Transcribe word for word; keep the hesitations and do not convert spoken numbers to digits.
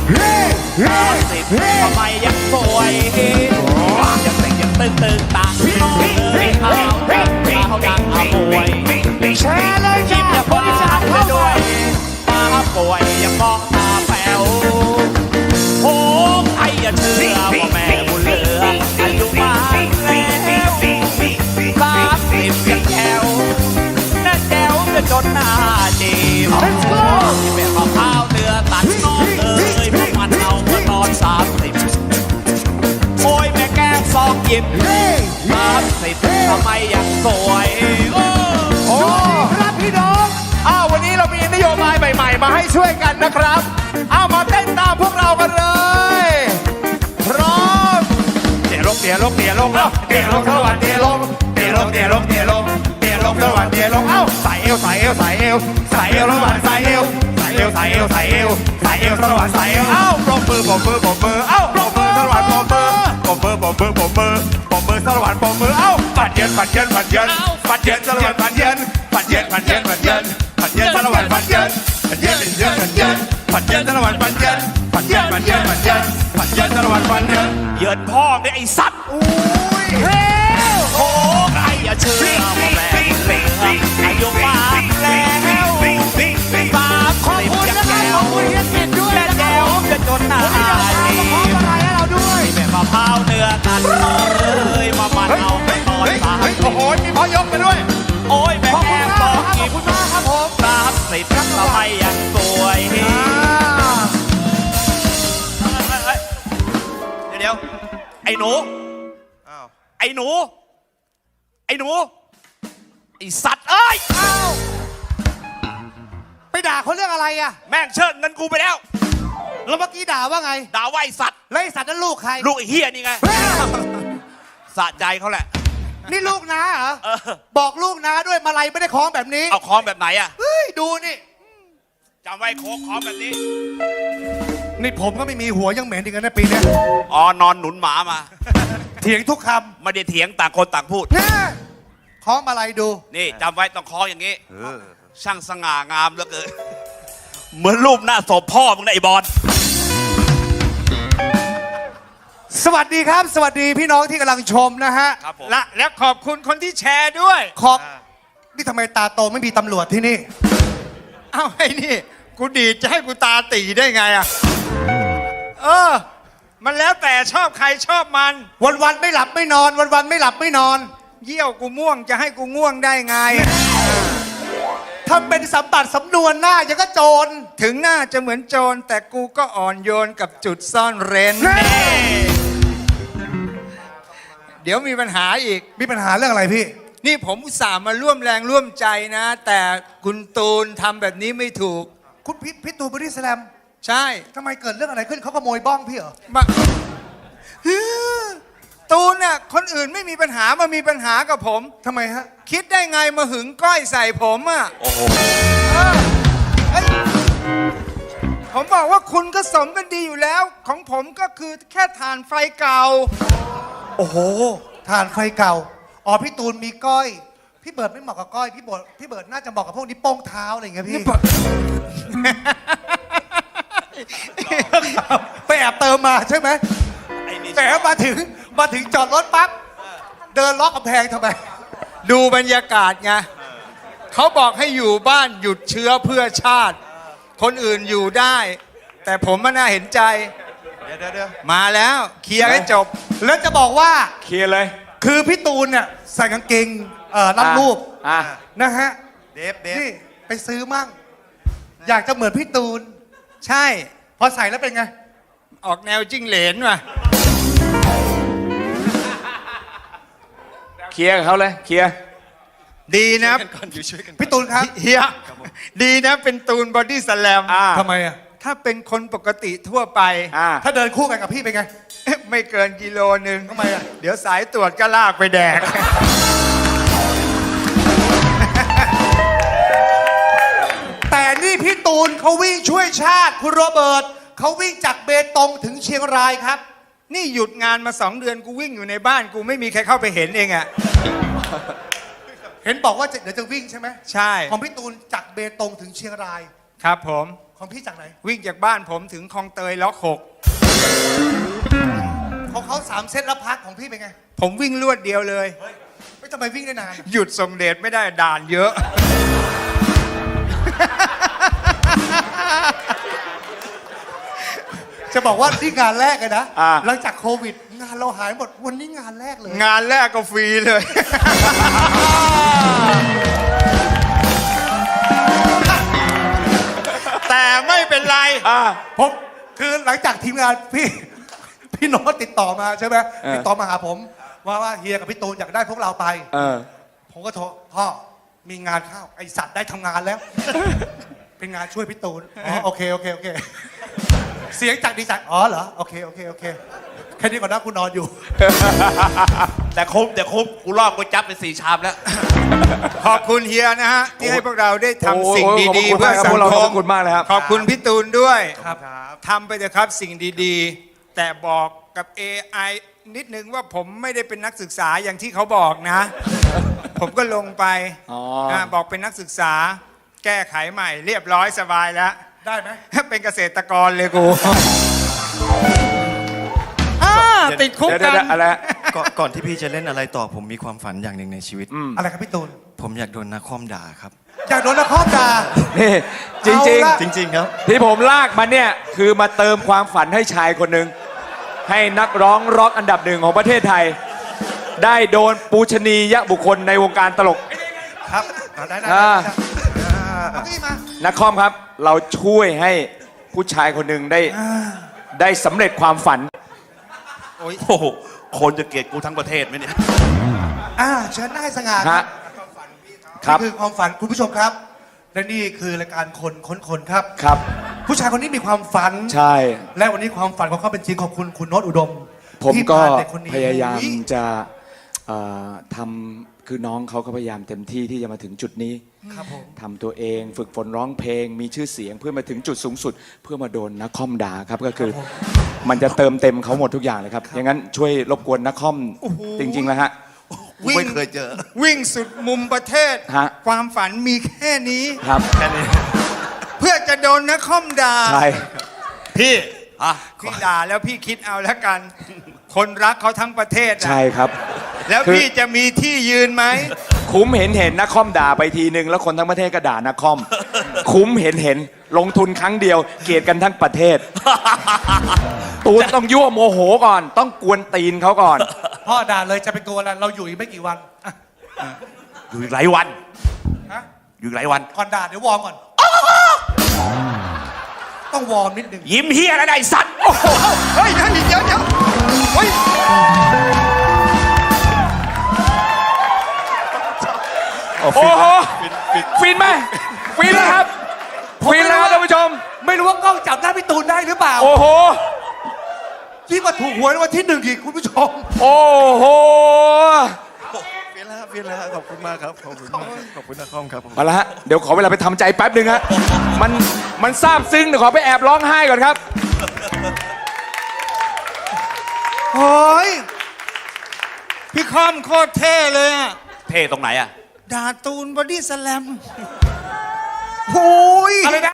บสามสิบทำไมยังสวยยังเต่งยังตึงตึงตาพี่น้องเลยเอาเอาดังเอาป่วยแชร์เลยยิ้มอย่าพ้นชาติด้วยตาป่วยอย่ามองตาแป๋วโอ้ใครอย่าเชื่อว่าแม่บุญเหลืออายุมากแล้วสามสิบยังแจ๋วน่าแจ๋วจะจนหน้าจีบที่เป็นข้าวข้าวเนื้อตัดน้องเลยพวกมันเอาเมื่อนอนสามสิบโอ้ยแม่แก้มซองหยิบสามสิบทำไมยังสวยโอ้ครับพี่น้องอ้าววันนี้เรามีนโยบายใหม่ๆมาให้ช่วยกันนะครับอ้าวมาเต้นตามพวกเรากันเลยพร้อมเตี๋ยลงเตี๋ยลงเตี๋ยลงเอ้าเตี๋ยลงสวัสดีลงเตี๋ยลงเตี๋ยลงเตี๋ยลงเตี๋ยลงสวัสดีลงเอ้าใส่เอวใส่เอวใส่เอวใส่เอวสวัสดีใส่เอวใส่เอวใส่เอวใส่เอวใส่เอวสวัสดีใส่เอวเอ้าปรบมือปรบมือปรบมือเอ้าปรบมือสวัสดีปรบมือปรบมือปรบมือปรบมือปรบมือสวัสดีปรบมือเอ้าปัดเย็นปัดเย็นปัดเย็นปัดเย็นสวัสดีปัดเย็นปัดเย็นปัดเย็นปัดเย็นปัดเย็นสวัสดีปัดเย็นปัดเย็นปัดเย็นปัดเย็นปัดเย็นสวัสดีปัดเย็นปัดเย็นปัดเย็นปัดเย็นปัดเย็นสวัสดีปัดเย็นเยินพ่อเนี่ยไอ้สัตว์อุ้ยเฮ้โอ้ใครอย่าเชื่อว่าแม่เหลืออายุมากแล้วสามขอบคุณนะครับขอบคุณเฮียกิจด้วยและแก้วจะจนหน้าดีแม่มะพร้าวเนื้อตัดน้องเลยมามันเอาไปนอนสามโอ้โหมีพ่อยกไปด้วยโอ้ยแม่แก้มบอกกินขอบคุณมากครับผมสามสิบทำไมยังสวยเดี๋ยวไอ้หนูไอ้หนูไอ้หนูไอ้สัตว์เอ้ยไปด่าเขาเรื่องอะไรอ่ะแม่งเชิดเงินกูไปแล้วแล้วเมื่อกี้ด่าว่าไงด่าว่าไอ้สัตว์แล้วไอ้สัตว์นั้นลูกใครลูกไอ้เฮียนี่ไงสะใจเขาแหละนี่ลูกน้าเหรอบอกลูกน้าด้วยมาลัยไม่ได้คล้องแบบนี้เอาคล้องแบบไหนอ่ะเฮ้ยดูนี่จำไว้โค้งคล้องแบบนี้นี่ผมก็ไม่มีหัวยังเหม็นอีกนะปีนี้อ๋อนอนหนุนหมามาเถียงทุกคำไม่ได้เถียงต่างคนต่างพูดนะคล้องมาลัยดูนี่จำไว้ต้องคล้องอย่างนี้ช่างสง่างามเหลือเกินเหมือนรูปหน้าศพพ่อมึงนะไอ้บอลสวัสดีครับสวัสดีพี่น้องที่กำลังชมนะฮะและและขอบคุณคนที่แชร์ด้วยขอบนี่ทำไมตาโตไม่มีตำรวจที่นี่เอ้าไอ้นี่กูดีจะให้กูตาตีได้ไงอ่ะเออมันแล้วแต่ชอบใครชอบมันวันวันไม่หลับไม่นอนวันวันไม่หลับไม่นอนเยี่ยวกูม่วงจะให้กูง่วงได้ไงทำเป็นสัมบัติสำนวนหน้ายังก็โจรถึงหน้าจะเหมือนโจรแต่กูก็อ่อนโยนกับจุดซ่อนเร้นเดี๋ยวมีปัญหาอีกมีปัญหาเรื่องอะไรพี่นี่ผมอุตส่าห์มาร่วมแรงร่วมใจนะแต่คุณตูนทำแบบนี้ไม่ถูกคุณพี่พี่ตูนบอดี้สแลมใช่ทำไมเกิดเรื่องอะไรขึ้นเขาขโมยบ้องพี่เหรอมาตูนน่ะคนอื่นไม่มีปัญหามามีปัญหากับผมทำไมฮะคิดได้ไงมาหึงก้อยใส่ผมอ่ะโอ้โหผมบอกว่าคุณก็สมกันดีอยู่แล้วของผมก็คือแค่ถ่านไฟเก่าโอ้โหถ่านไฟเก่าอ๋อพี่ตูนมีก้อยพี่เบิร์ดไม่เหมาะกับก้อยพี่เบิร์ดพี่เบิร์ดน่าจะเหมาะกับพวกนี้โป้งเท้าอะไรอย่างเงี้ยพี่ไปแอบเติมมาใช่ไหมแต่มาถึงมาถึงจอดรถปั๊บเดินล็อกกำแพงทำไมดูบรรยากาศไงเขาบอกให้อยู่บ้านหยุดเชื้อเพื่อชาติคนอื่นอยู่ได้แต่ผมมันน่าเห็นใจเดี๋ยวเดี๋ยวมาแล้วเคลียร์ให้จบแล้วจะบอกว่าเคลียร์เลยคือพี่ตูนเนี่ยใส่กางเกงเอ่อรัดรูปนะฮะเดฟเดฟนี่ไปซื้อมั่งอยากจะเหมือนพี่ตูนใช่พอใส่แล้วเป็นไงออกแนวจิ้งเหลนว่ะเคลียร์เขาเลยเคลียร์ดีนะพี่ตูนครับเฮียดีนะเป็นตูนบอดี้สแลมทำไมอ่ะถ้าเป็นคนปกติทั่วไปถ้าเดินคู่กันกับพี่เป็นไงไม่เกินกิโลนึงทำไมอ่ะเดี๋ยวสายตรวจก็ลากไปแดกแต่นี่พี่ตูนเขาวิ่งช่วยชาติคุณโรเบิร์ตเขาวิ่งจากเบตงถึงเชียงรายครับนี่หยุดงานมาสองเดือนกูวิ่งอยู่ในบ้านกูไม่มีใครเข้าไปเห็นเองอะเห็นบอกว่าเดี๋ยวจะวิ่งใช่ไหมใช่ของพี่ตูนจากเบตงถึงเชียงรายครับผมขของพี่จากไหนวิ่งจากบ้านผมถึงคลองเตยล็อกหกของเขาสามเซตแล้วพักของพี่เป็นไงผมวิ่งรวดเดียวเลยไม่ทำไมวิ่งได้นานหยุดส่งเดชไม่ได้ด่านเยอะจะบอกว่านี่งานแรกเลยนะอ่าหลังจากโควิด งานเราหายหมดวันนี้งานแรกเลยงานแรกก็ฟรีเลย แต่ไม่เป็นไรผมคือหลังจากทีมงานพี่ พี่โน้ตติดต่อมาใช่ไหมเออติดต่อมาหาผมว่าว่าเฮียกับพี่ตูนอยากได้พวกเราไปเออผมก็โทรพ่อมีงานเข้าไอสัตว์ได้ทำงานแล้ว เป็นงานช่วยพี่ตูนอ๋อโอเคโอเคโอเค เสียงจากดีจักอ๋อเหรอโอเคโอเคโอเคแค่นี้ก่อนนะกูนอนอยู่แต่คุ้มแต่คุ้มกูลอกกูจับไปสี่ชามแล้วขอบคุณเฮียนะฮะ ที่ให้พวกเราได้ทำสิ่งดีๆโอ้โหเพื่อสังขอบคคุมณมากครับพวกเราขอบคุณมากเลยครับขอบคุณพี่ตูนด้วยครับทำไปเถอะครับสิ่งดีๆ แต่บอกกับ เอ ไอ นิดนึงว่าผมไม่ได้เป็นนักศึกษาอย่างที่เขาบอกนะ ผมก็ลงไปอ๋ออ่ะบอกเป็นนักศึกษา แก้ไขใหม่เรียบร้อยสบายแล้วได้ไหมเป็นเกษตรกรเลยกูอ่าติดคุกเดี๋ยวกัเดี๋ยวน อะไรฮะก่อนก่อนที่พี่จะเล่นอะไรต่อผมมีความฝันอย่างหนึ่งในชีวิตอะไรครับพี่ตูนผมอยากโดนนักคอมด่าครับอยากโดนนักคอมด่านี่จริงเอาละจริง ๆ ครับๆ ที่ผมลากมาเนี่ย คือมาเติมความฝันให้ชายคนหนึ่งให้นักร้องร็อกอันดับหนึ่งของประเทศไทย ได้โดนปูชนียบุคคลในวงการตลกครับเอาได้ได้อ่าได้เอาที่มานักคอมครับ เราช่วยให้ผู้ชายคนหนึ่งได้ได้สำเร็จความฝันโอ้โห คนจะเกลียดกูทั้งประเทศไหมเนี่ยอ่าเชิญได้สง่าฮะ ครับนี่คือความฝันคุณผู้ชมครับ และนี่คือรายการคนค้นคนครับครับผู้ชายคนนี้มีความฝันใช่และวันนี้ความฝันของเขาเป็นจริงขอบคุณคุณโน้ตอุดมผมที่ก็พาเด็คนนี้พยายามอุ๊จะเอ่อทำคือน้องเขาก็พยายามเต็มที่ที่จะมาถึงจุดนี้ครับผมทำตัวเองฝึกฝนร้องเพลง มีชื่อเสียงเพื่อมาถึงจุดสูงสุด เพื่อมาโดนนักคอมด่าครับก็คือ มันจะเติมเต็มเขาหมดทุกอย่างเลยครับอย่างนั้นช่วยรบกวนนักคอมจริงๆแล้วฮะกูไม่เคยเจอวิ่งสุดมุมประเทศฮะความฝันมีแค่นี้ครับเพื่อจะโดนนักคอมด่าใช่พี่อ่ะพี่ด่าแล้วพี่คิดเอาแล้วกัน คนรักเขาทั้งประเทศอะใช่ครับแล้วคือพี่จะมีที่ยืนไหมคุ้มเห็นเห็นนักคอมด่าไปทีนึงแล้วคนทั้งประเทศก็ด่านักคอม คุ้มเห็นเห็นลงทุนครั้งเดียว เกลียดกันทั้งประเทศ ตูนต้องยั่วโมโหก่อน ต้องกวนตีนเขาก่อนพ่อด่าเลยจะเป็นตัวอะไรเราอยู่อีกไม่กี่วันอ่ะอยู่อีกหลายวันฮะอยู่อีกหลายวันก่อนด่าเดี๋ยววอร์มก่อน ต้องวอร์มนิดนึงยิ้มเฮียอะไรได้สัตว์เฮ้ยเดี๋ยวเดี๋ยวเดี๋ยวเฮ้ยโอ้โหฟินไหมฟินแล้วครับฟินแล้วครับท่านผู้ชมไม่รู้ว่ากล้องจับหน้าพี่ตูนได้หรือเปล่าโอ้โหที่มาถูกหวยรางวันที่หนึ่งอีกคุณผู้ชมโอ้โหเฟียนแล้วครับเฟียนแล้วครับขอบคุณมากครับ ขอบคุณมากครับขอบคุณนักคอมครับผมเอาละฮะ เดี๋ยวขอเวลาไปทำใจแป๊บหนึ่งฮะ มัน มันซาบซึ้งเดี๋ยวขอไปแอบร้องไห้ก่อนครับเฮ้ย พี่คอมโคตรเท่เลยอะเท่ตรงไหนอ่ะด่าตูนบอดี้สแลมโอ้ยอะไรนะ